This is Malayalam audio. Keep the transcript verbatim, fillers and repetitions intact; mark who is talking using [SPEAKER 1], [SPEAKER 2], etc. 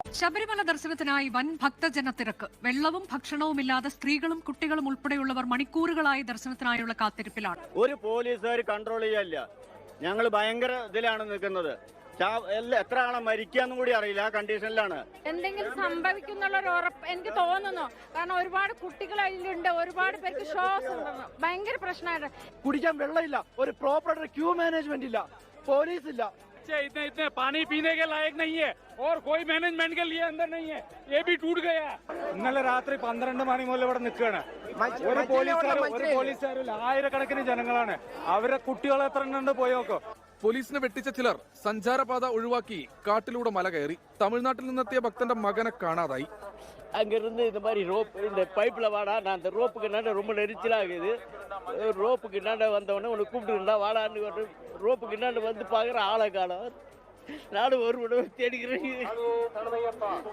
[SPEAKER 1] ശബരിമല ദർശനത്തിനായി വൻ ഭക്തജന തിരക്ക്. വെള്ളവും ഭക്ഷണവുമില്ലാതെ സ്ത്രീകളും കുട്ടികളും ഉൾപ്പെടെയുള്ളവർ മണിക്കൂറുകളായി ദർശനത്തിനായുള്ള കാത്തിരിപ്പിലാണ്.
[SPEAKER 2] ഒരു പോലീസുകാർ കൺട്രോൾ ചെയ്യല്ല. ഞങ്ങൾ ഭയങ്കര ഇതിലാണ് നിൽക്കുന്നത്. എത്ര ആളെ മരിക്കാന്നും കൂടി അറിയില്ല. ആ കണ്ടീഷനിലാണ്.
[SPEAKER 3] എന്തെങ്കിലും സംഭവിക്കുന്നുള്ള ഉറപ്പ് എനിക്ക് തോന്നുന്നു. കാരണം ഒരുപാട് കുട്ടികൾ അതിലുണ്ട്, ഒരുപാട് പേർക്ക് ഷോസ് ഉണ്ട്. ഭയങ്കര പ്രശ്നമാണ്.
[SPEAKER 4] കുടിക്കാൻ വെള്ളമില്ല, ഒരു പ്രോപ്പർ ക്യൂ മാനേജ്മെന്റ് ഇല്ല, പോലീസ് ഇല്ല.
[SPEAKER 5] इतने इतने पानी पीने के लायक नहीं है और कोई मैनेजमेंट के लिए अंदर नहीं है. ये भी टूट गया. ഇന്നലെ രാത്രി പന്ത്രണ്ട് മണി മുതൽ ഇവിടെ നിൽക്കുകയാണ്. ഒരു പോലീസുകാർ ഒരു പോലീസുകാരില്ല, ആയിരക്കണക്കിന് ജനങ്ങളാണ്. അവരെ കുട്ടികൾ എത്ര എണ്ണുണ്ട് പോയി നോക്കോ.
[SPEAKER 6] പോലീസിനെ വെട്ടിച്ച ചിലർ സഞ്ചാരപാത ഒഴിവാക്കി കാട്ടിലൂടെ മല കയറി. തമിഴ്നാട്ടിൽ നിന്നെത്തിയ ഭക്തന്റെ மகனை കാണാതായി.
[SPEAKER 7] அங்கிருந்து இந்த மாதிரி ரோப் இந்த பைப்பில் வாடா, நான் அந்த ரோப்புக்கு நட ரொம்ப நெரிச்சலாகுது. ரோப்புக்கு நட வந்தவொடனே உனக்கு கூப்பிட்டுருந்தா வாடான்னு ரோப்புக்கு நட வந்து பார்க்குற ஆளை காலம். நானும் ஒரு விட தேடிக்கிறேன்.